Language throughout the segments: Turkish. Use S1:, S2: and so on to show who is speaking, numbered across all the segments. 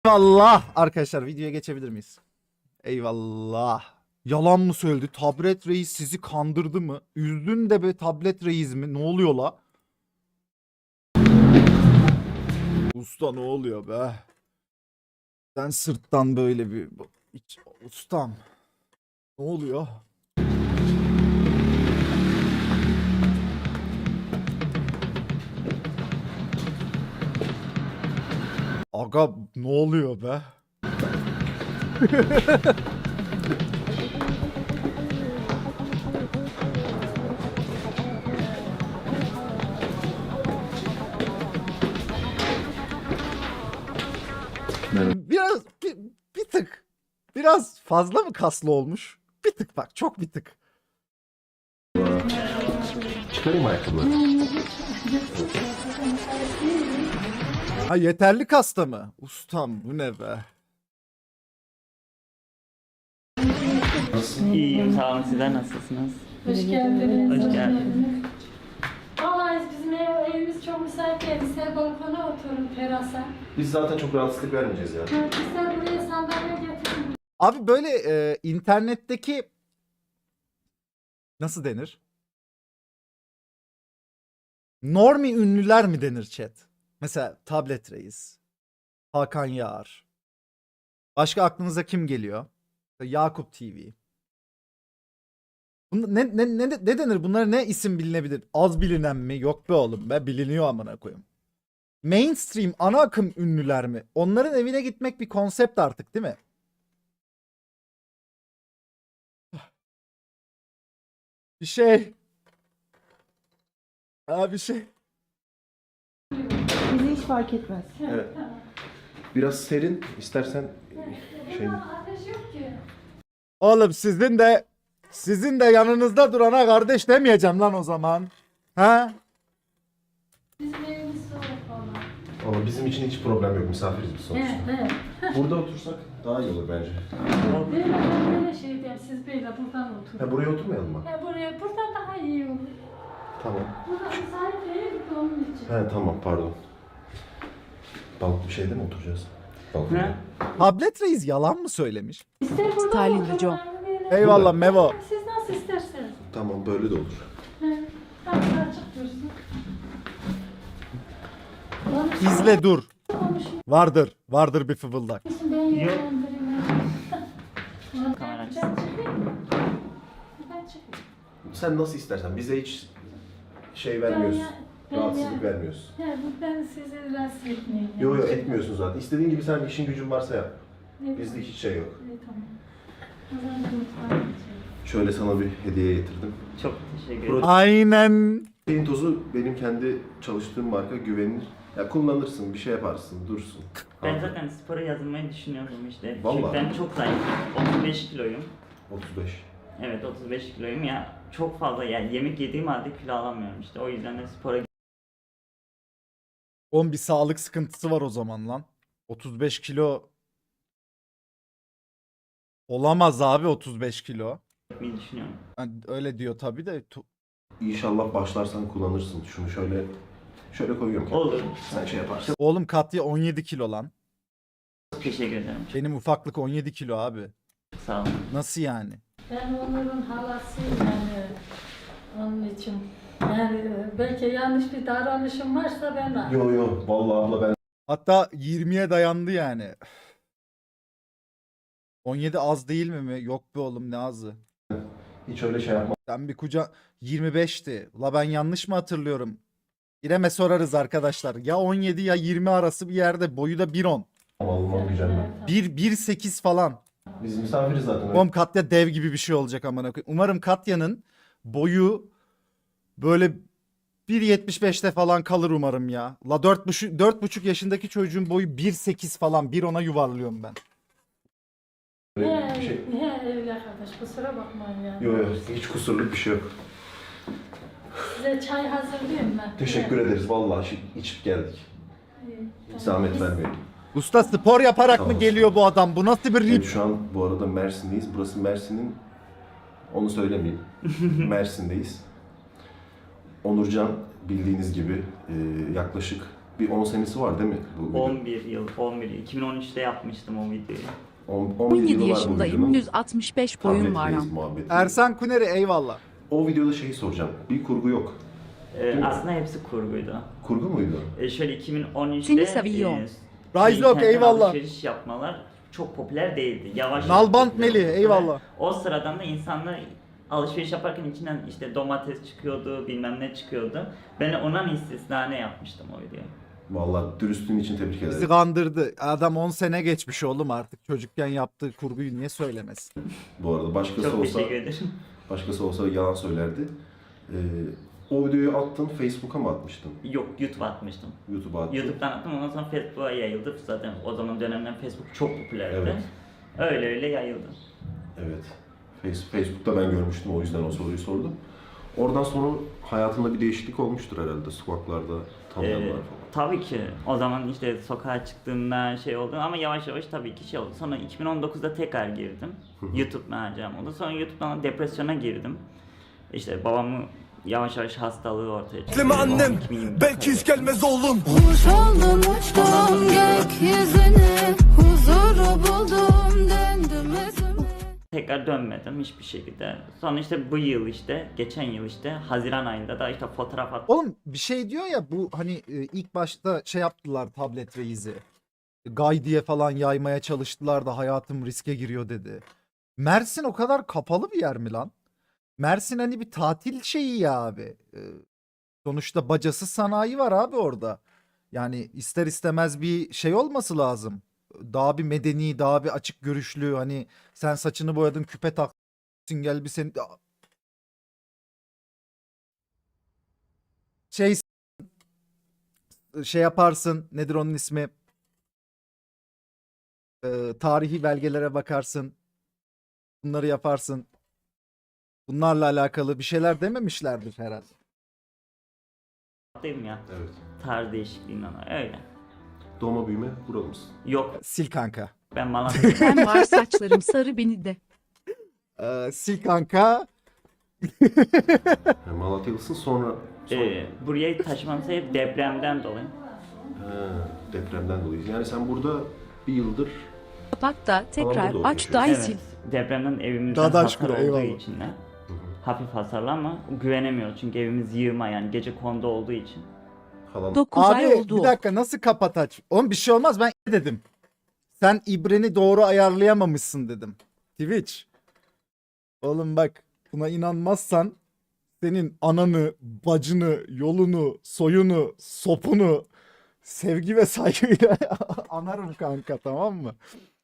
S1: Eyvallah arkadaşlar, videoya geçebilir miyiz? Eyvallah. Yalan mı söyledi? Tablet reis sizi kandırdı mı? Üzdün de be tablet reis mi? Ne oluyor la? Usta ne oluyor be? Sen sırttan böyle bir... Ustam. Ne oluyor? Aga ne oluyor be? Biraz bir tık biraz fazla mı kaslı olmuş? Bir tık bak, çok bir tık.
S2: Çıkarayım ayakkabıları.
S1: Ha yeterli kasta mı? Ustam bu ne be?
S3: İyiyim, sağ olun. Sizler nasılsınız?
S4: Hoş geldiniz.
S3: Hoş geldiniz.
S4: Vallahi bizim evimiz çok müsait değil. İster balkona oturun, terasa.
S2: Biz zaten çok rahatsızlık vermeyeceğiz ya.
S4: İster buraya sandalye getirin.
S1: Abi böyle internetteki nasıl denir? Normi ünlüler mi denir chat? Mesela Tablet Reis, Hakan Yağar. Başka aklınıza kim geliyor? Yakup TV. Ne denir? Bunlara ne isim bilinebilir? Az bilinen mi? Yok be oğlum be, biliniyor amına koyayım. Mainstream ana akım ünlüler mi? Onların evine gitmek bir konsept artık değil mi? Bir şey. Bir şey.
S5: Bizi hiç fark etmez.
S2: Evet. Biraz serin, istersen şey...
S4: Ama ateş yok ki.
S1: Oğlum sizin de yanınızda durana kardeş demeyeceğim lan o zaman. Ha?
S4: Bizim evimiz soğuk falan.
S2: Ama bizim için hiç problem yok, misafiriz biz sonuçta.
S4: Evet.
S2: Burada otursak daha iyi olur bence.
S4: Ben böyle şey diyeyim, siz böyle buradan oturun.
S2: Ha, buraya oturmayalım mı?
S4: Buradan daha iyi olur.
S2: Tamam.
S4: Burada müsait değil mi onun için?
S2: He tamam, pardon. Bir şeyde mi oturacağız? Balkonda.
S3: Ne?
S1: Tablet Reis yalan mı söylemiş?
S4: İster buradan
S5: Styling
S4: oturun,
S5: Joe.
S4: böyle.
S1: Eyvallah Mevo.
S4: Siz nasıl isterseniz.
S2: Tamam, böyle de olur.
S4: Tam açık dursun.
S1: İzle dur. Vardır bir fıvıldak.
S4: Ben yönlendireyim.
S3: Kamera
S4: Ben çıkayım mı? Ben çıkayım.
S2: Sen nasıl istersen, bize hiç şey vermiyorsun.
S4: Ben
S2: Rahatsızlık vermiyorsun.
S4: Ben sizi rahatsız etmeyeyim.
S2: Yo etmiyorsun zaten. İstediğin gibi sen işin gücün varsa yap.
S4: Evet.
S2: Bizde hiç şey yok.
S4: İyi, tamam. O zaman mutfağa geçelim.
S2: Şöyle sana bir hediye getirdim.
S3: Çok teşekkür ederim.
S1: Aynen.
S2: Şeyin tozu benim kendi çalıştığım marka, güvenilir. Ya kullanırsın, bir şey yaparsın, dursun.
S3: Ben zaten spora yazılmayı düşünüyorum işte.
S2: Vallahi.
S3: Çünkü ben çok zayıfım. 35 kiloyum.
S2: 35.
S3: Evet 35 kiloyum ya. Çok fazla yani yemek yediğim halde kilo alamıyorum işte. O yüzden de spora
S1: Oğlum bir sağlık sıkıntısı var o zaman lan. 35 kilo olamaz abi, 35 kilo.
S3: gitmeyi düşünüyorum.
S1: Yani öyle diyor tabii de.
S2: İnşallah başlarsan kullanırsın. Şunu şöyle koyuyorum.
S3: Olur.
S2: Sen şey yaparsın.
S1: Oğlum Katya 17 kilo lan.
S3: Çok teşekkür ederim.
S1: Benim ufaklık 17 kilo abi.
S3: Çok sağ olun.
S1: Nasıl yani?
S4: Ben Onur'un halasıyım yani. Onun için. Yani belki yanlış bir davranışım varsa ben de.
S2: Yo vallahi abla ben
S1: Hatta 20'ye dayandı yani. 17 az değil mi? Yok be oğlum, ne azı.
S2: hiç öyle şey yapmam.
S1: Sen bir 25'ti. La ben yanlış mı hatırlıyorum? İrem'e sorarız arkadaşlar. Ya 17 ya 20 arası bir yerde. Boyu da 1.10.
S2: Almam gücenmem.
S1: 1.8 falan.
S2: Biz misafiriz zaten.
S1: Oğlum Katya dev gibi bir şey olacak amına koyayım. Umarım Katya'nın boyu böyle 1.75'te falan kalır umarım ya. La 4,5 yaşındaki çocuğun boyu 1.8 falan. 1.10'a yuvarlıyorum ben.
S2: Öyle bir şey.
S4: Öyle arkadaş, kusura bakmayın yani.
S2: Yo hiç kusurluk bir şey yok.
S4: Size çay hazırlayayım ben.
S2: Teşekkür ederiz vallahi içip geldik. Hiç zahmet vermeyin.
S1: Usta spor yaparak
S2: Sağ
S1: mı
S2: olsun.
S1: geliyor bu adam? Bu nasıl bir
S2: Evet,
S1: rip?
S2: şu an bu arada Mersin'deyiz. Burası Mersin'in, onu söylemeyeyim. Mersin'deyiz. Onurcan bildiğiniz gibi yaklaşık Bir 10 senesi var değil mi bu video?
S3: 11 yıl, 2013'te yapmıştım o videoyu.
S2: 11
S5: 17
S2: yılı var bu
S5: yaşındayım,
S2: videonun.
S5: 165
S2: Tahmin
S5: boyum var.
S2: etmeyiz muhabbeti.
S1: Ersan Kuneri eyvallah.
S2: O videoda şeyi soracağım. Bir kurgu yok.
S3: Aslında hepsi kurguydu.
S2: Kurgu muydu?
S3: Şöyle 2013'te
S5: Seni seviyorum.
S1: Rise Lock, eyvallah.
S3: alışveriş yapmalar çok popüler değildi. Yavaş
S1: Nalbant
S3: popüler
S1: Melih,
S3: oldu.
S1: eyvallah.
S3: O sıradan da insanlar alışveriş yaparken içinden işte domates çıkıyordu, bilmem ne çıkıyordu. Ben ona istisnane yapmıştım o videoyu.
S2: Vallahi dürüstlüğün için tebrik ederim.
S1: Bizi kandırdı. Adam 10 sene geçmiş oğlum artık. Çocukken yaptığı kurguyu niye söylemesin?
S2: Bu arada
S3: Çok teşekkür ederim.
S2: başkası olsa yalan söylerdi. O videoyu attın, Facebook'a mı atmıştın?
S3: Yok, YouTube'a atmıştım.
S2: YouTube'a attın.
S3: YouTube'dan attım, ondan sonra Facebook'a yayıldı. Zaten o zaman dönemden Facebook çok popülerdi.
S2: Evet.
S3: Öyle yayıldı.
S2: Evet. Facebook'ta ben görmüştüm, o yüzden o soruyu sordum. Oradan sonra hayatında bir değişiklik olmuştur herhalde, sokaklarda tanıyanlar falan.
S3: Tabii ki. O zaman işte sokağa çıktığımda şey oldu ama yavaş yavaş tabii ki şey oldu. Sonra 2019'da tekrar girdim. YouTube maceram oldu. Sonra YouTube'dan depresyona girdim. İşte babamı yavaş yavaş hastalığı ortaya çıktı.
S6: Bekleme annem,
S3: 2020'de
S6: belki hiç gelmez oğlum.
S7: Kuş oldum uçtum gökyüzüne, huzuru buldum döndüm özüme.
S3: tekrar dönmedim hiçbir şekilde. Sonra işte bu yıl işte, geçen yıl işte Haziran ayında da işte fotoğraf attım.
S1: Oğlum bir şey diyor ya bu hani ilk başta şey yaptılar Tablet Reis'i. Gay diye falan yaymaya çalıştılar da hayatım riske giriyor dedi. Mersin o kadar kapalı bir yer mi lan? Mersin hani bir tatil şeyi ya abi. Sonuçta bacası sanayi var abi orada. Yani ister istemez bir şey olması lazım. Daha bir medeni, daha bir açık görüşlü. Hani sen saçını boyadın, küpe taktın, gel bir seni... Şey yaparsın, nedir onun ismi? Tarihi belgelere bakarsın. Bunları yaparsın. Bunlarla alakalı bir şeyler dememişlerdir herhalde.
S3: Değil ya.
S2: Evet.
S3: Tarz değişikliğinden öyle.
S2: Doğma büyüme buralı mısın?
S3: Yok,
S1: Sil kanka.
S3: ben Malatya'yım.
S5: Ben var saçlarım sarı beni de.
S1: Sil kanka.
S2: Yani Malatyalısın sonra...
S3: Buraya taşımam sebep depremden dolayı.
S2: Depremden dolayı. Yani sen burada bir yıldır...
S5: Kapat da tekrar
S2: burada
S5: aç da
S2: oturuyorsun.
S5: sil.
S3: Depremden evimizden
S1: Dadaş
S3: hasar
S1: kuru,
S3: olduğu
S1: eyvallah.
S3: için de hafif hasarlı ama güvenemiyoruz çünkü evimiz yığma yani gece kondu olduğu için.
S2: Falan...
S5: 9 ay
S1: Abi
S5: oldu.
S1: bir dakika nasıl kapat aç? Oğlum bir şey olmaz ben dedim. Sen ibreni doğru ayarlayamamışsın dedim. Twitch. Oğlum bak buna inanmazsan senin ananı, bacını, yolunu, soyunu, sopunu sevgi ve saygıyla anarım kanka, tamam mı?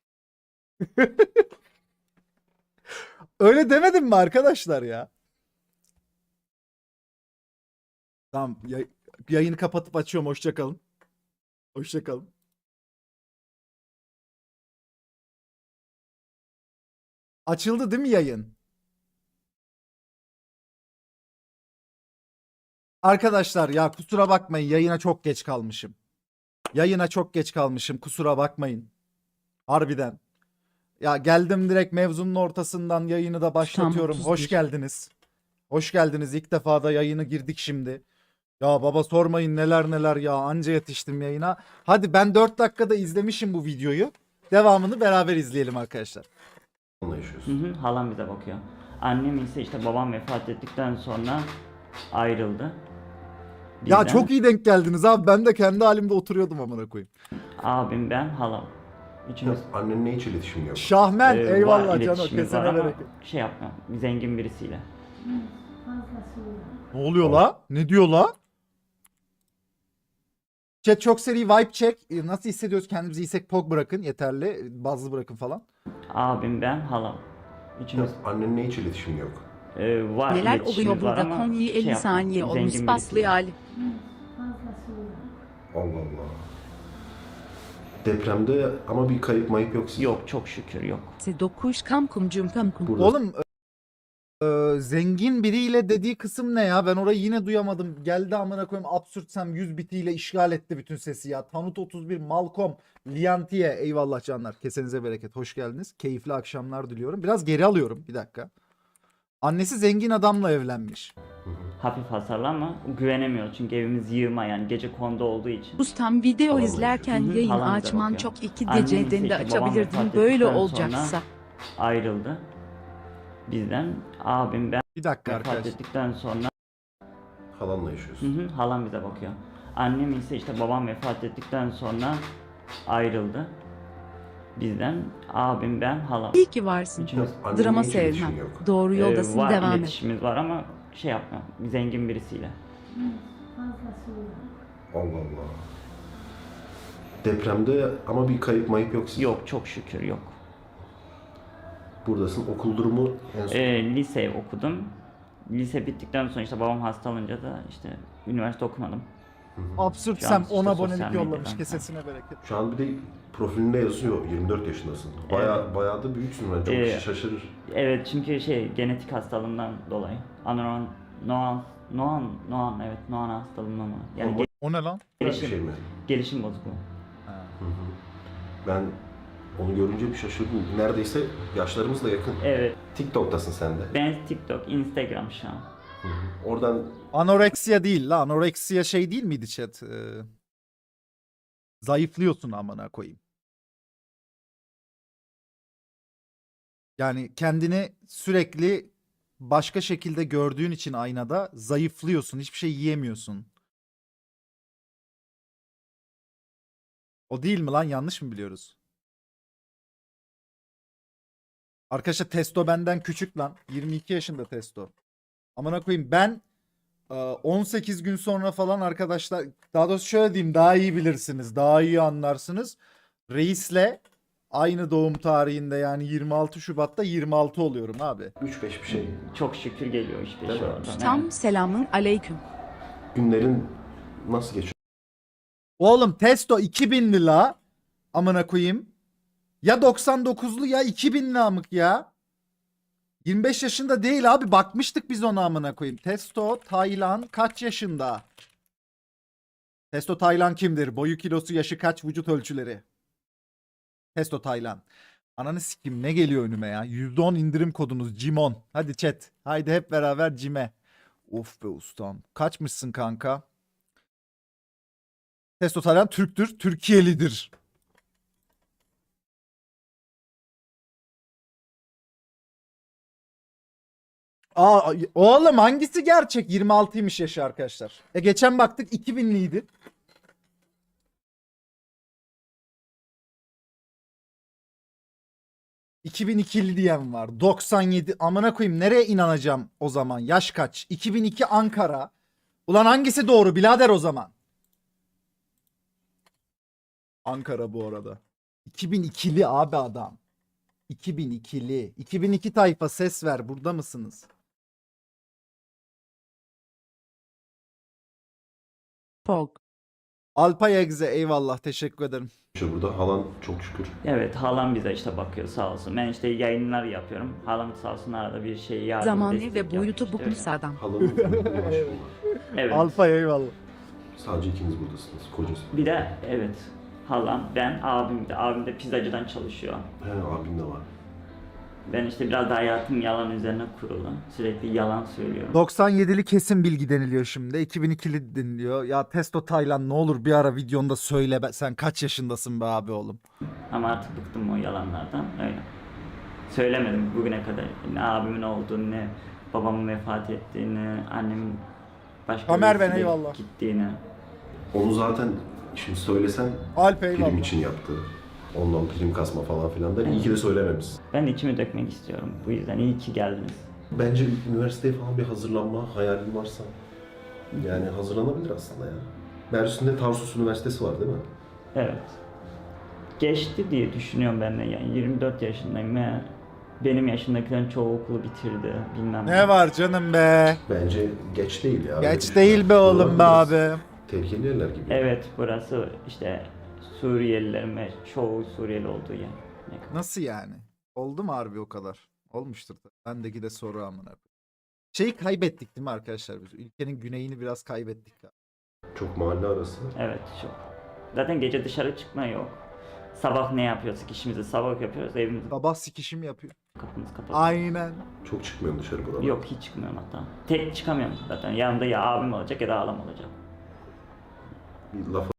S1: Öyle demedim mi arkadaşlar ya? Tamam yayını kapatıp açıyorum, hoşça kalın. Hoşça kalın. Açıldı değil mi yayın? Arkadaşlar ya kusura bakmayın, yayına çok geç kalmışım. Yayına çok geç kalmışım, kusura bakmayın. Harbiden. Ya geldim direkt mevzunun ortasından yayını da başlatıyorum.
S5: Tam 31.
S1: Hoş geldiniz. Hoş geldiniz. İlk defa da yayını girdik şimdi. Ya baba sormayın neler neler ya, anca yetiştim yayına. Hadi ben 4 dakikada izlemişim bu videoyu. Devamını beraber izleyelim arkadaşlar.
S2: yaşıyorsun.
S3: Halam bize bakıyor. Annem ise işte babam vefat ettikten sonra ayrıldı.
S1: Ya
S3: Bizden.
S1: çok iyi denk geldiniz abi. Ben de kendi halimde oturuyordum amına koyayım.
S3: Abim, ben, halam. Üçümüz
S2: Annenle hiç iletişim yok.
S1: Şahmen
S3: var,
S1: eyvallah Cano,
S3: iletişimimiz
S1: kesene
S3: var ama
S1: bereket.
S3: şey yapmam, zengin birisiyle.
S4: Fazlasıyla.
S1: Ne oluyor la? Ne diyor la? Chat çok seri vibe check. Nasıl hissediyoruz kendimizi? İyisek pog bırakın yeterli. Bazlı bırakın falan.
S3: Abim, ben, halam. Üçümüz
S2: Annenle hiç iletişim yok.
S3: var,
S5: Neler
S3: iletişimimiz
S5: oluyor
S3: var
S5: burada?
S3: ama
S5: Konya'yı
S3: şey
S5: 50
S3: yapmam,
S5: saniye olmuş
S3: zengin
S5: paslı
S3: birisiyle.
S5: hali.
S4: Fazlasıyla.
S2: Allah Allah. Depremde ama bir kayıp mayıp yok sizin.
S3: Yok, çok şükür yok.
S5: Se dokuş kam kumcum kam kum.
S2: Burada
S1: Oğlum zengin biriyle dediği kısım ne ya? Ben orayı yine duyamadım. Geldi amına koyayım absürtsem 100 bitiyle işgal etti bütün sesi ya. Tanut 31, Malcolm, Liantiye eyvallah canlar. Kesenize bereket. Hoş geldiniz. Keyifli akşamlar diliyorum. Biraz geri alıyorum bir dakika. Annesi zengin adamla evlenmiş.
S2: Hı hı.
S3: hafif hasarlı ama güvenemiyoruz çünkü evimiz yığma yani gece konuda olduğu için.
S5: Ustam video
S2: Halam
S5: izlerken
S3: Hı hı,
S5: yayın
S3: halam bize
S5: açman
S3: bakıyor.
S5: çok iki
S3: Annem ise
S5: geceden de
S3: işte babam
S5: açabilirdin
S3: vefat
S5: böyle
S3: ettikten
S5: olacaksa.
S3: sonra ayrıldı bizden. Abim ben
S1: Bir dakika
S3: vefat
S1: arkadaşlar.
S3: ettikten sonra
S2: Halanla yaşıyorsun.
S3: halam bize bakıyor. Annem ise işte babam vefat ettikten sonra ayrıldı bizden. Abim ben halam.
S5: İyi ki varsın.
S3: Üçümüz
S2: Annenle
S5: Drama
S2: hiç iletişimin
S5: sevmem.
S2: yok.
S5: Doğru yoldasın,
S3: var,
S5: devam et.
S3: iletişimimiz var ama şey yapma zengin birisiyle.
S4: Fazlası yok.
S2: Allah Allah. Depremde ama bir kayıp mayıp yok sizin.
S3: Yok çok şükür yok.
S2: Buradasın. Okul durumu en son.
S3: Lise okudum. Lise bittikten sonra işte babam hastalanınca da işte üniversite okumadım.
S1: Absürt
S3: Şu an
S1: Sem
S3: işte
S1: 10
S3: sosyal
S1: abonelik
S3: medyadan
S1: yollamış.
S3: falan.
S1: Kesesine bereket.
S2: Şu an bir de profilinde yazıyor 24 yaşındasın. Bayağı da büyüksün ben çok şaşırır.
S3: Evet çünkü genetik hastalığımdan dolayı. Noan evet Noan hastalığından var. Yani
S2: Ama
S1: O ne lan?
S2: bir
S3: gelişim,
S2: şey mi?
S3: gelişim bozukluğu.
S2: Ben onu görünce bir şaşırdım. Neredeyse yaşlarımız da yakın.
S3: Evet
S2: TikTok'tasın sen de.
S3: ben TikTok, Instagram şu an.
S2: Oradan
S1: Anoreksiya değil la. Anoreksiya şey değil miydi chat? Zayıflıyorsun amına koyayım. Yani kendini sürekli başka şekilde gördüğün için aynada zayıflıyorsun. Hiçbir şey yiyemiyorsun. O değil mi lan? Yanlış mı biliyoruz? Arkadaşlar Testo benden küçük lan. 22 yaşında Testo. Amına koyayım ben 18 gün sonra falan arkadaşlar, daha doğrusu şöyle diyeyim, daha iyi bilirsiniz, daha iyi anlarsınız. Reis'le aynı doğum tarihinde yani 26 Şubat'ta 26 oluyorum abi.
S2: 3-5 bir şey.
S3: Çok şükür geliyor işte
S2: Değil
S3: şu
S2: mi?
S3: anda.
S5: Tam selamın aleyküm.
S2: Günlerin nasıl geçiyor?
S1: Oğlum Testo 2000'li la. Amına koyayım. Ya 99'lu ya 2000'li amık ya. 25 yaşında değil abi. Bakmıştık biz ona amına koyayım. Testo Taylan kaç yaşında? Testo Taylan kimdir? Boyu, kilosu, yaşı kaç, vücut ölçüleri? Testo Taylan. Ananı sikim ne geliyor önüme ya? %10 indirim kodunuz Cimon. Hadi chat. Haydi hep beraber Cime. Of be ustam. Kaçmışsın kanka? Testo Taylan Türktür. Türkiye'lidir. Aa, oğlum hangisi gerçek? 26'ymış yaşı arkadaşlar. Geçen baktık 2000'liydi. ...2002'li diyen var. 97. Amına koyayım nereye inanacağım o zaman? Yaş kaç? 2002 Ankara. Ulan hangisi doğru birader o zaman? Ankara bu arada. 2002'li abi adam. 2002'li. 2002 tayfa ses ver. Burada mısınız?
S5: Pog.
S1: Alpay Egze eyvallah teşekkür ederim.
S2: Burada halan çok şükür.
S3: Evet halam bize işte bakıyor sağ olsun. Ben işte yayınlar yapıyorum. Halam sağ olsun arada bir şey yardım
S5: Zamanı
S3: destek
S5: ve
S3: yapıyor
S5: boyutu
S3: işte
S5: bukmuş
S3: öyle.
S5: adam.
S2: Halanın bir maaşı var.
S3: Evet.
S1: Alpay eyvallah.
S2: Sadece ikiniz buradasınız. Kocası.
S3: Bir de evet halam, ben, abim de. Abim de pizzacıdan çalışıyor.
S2: He abin de var.
S3: Ben işte biraz da hayatım yalan üzerine kurulu. Sürekli yalan söylüyorum.
S1: 97'li kesin bilgi deniliyor şimdi. 2002'li deniliyor. Ya Testo Taylan ne olur bir ara videonda söyle sen kaç yaşındasın be abi oğlum.
S3: Ama artık bıktım o yalanlardan. Öyle. Söylemedim bugüne kadar. Ne abimin olduğunu, ne babamın vefat ettiğini, annemin başka
S1: Ömer ben
S3: birisiyle
S1: eyvallah.
S3: gittiğini.
S2: Onu zaten şimdi söylesen
S1: Alp
S2: prim
S1: eyvallah.
S2: için yaptı. Ondan prim kasma falan filan da iyi ki de söylememişsin.
S3: Ben içimi dökmek istiyorum. Bu yüzden iyi ki geldiniz.
S2: Bence üniversiteye falan bir hazırlanma hayalin varsa yani hazırlanabilir aslında ya. Mersin'de Tarsus Üniversitesi var değil mi?
S3: Evet. Geçti diye düşünüyorum ben de yani 24 yaşındayım ve benim yaşındakilerin çoğu okulu bitirdi bilmem
S1: Ne var canım be?
S2: Bence geç değil ya. Öyle
S1: Geç
S2: düşün.
S1: değil be oğlum be
S2: Biraz
S1: abi.
S2: Tehlikeli yerler gibi.
S3: Evet burası işte Suriyelilerin ve çoğu Suriyeli olduğu yer. Ne kadar-
S1: Nasıl yani? Oldu mu harbi o kadar? Olmuştur da. Bendeki de soru amına koyayım. Şeyi kaybettik değil mi arkadaşlar biz? Ülkenin güneyini biraz kaybettik.
S2: Çok mahalle arası.
S3: Evet çok. Zaten gece dışarı çıkma yok. Sabah ne yapıyorsak işimizi sabah yapıyoruz evimizde.
S1: Sabah sikişim yapıyor.
S3: Kapımız kapalı.
S1: Aynen.
S2: Çok çıkmıyorum dışarı buralar.
S3: Yok hiç çıkmıyorum hatta. Tek çıkamıyorum zaten. Yanımda ya abim olacak ya da ağlam olacak.
S2: Bir laf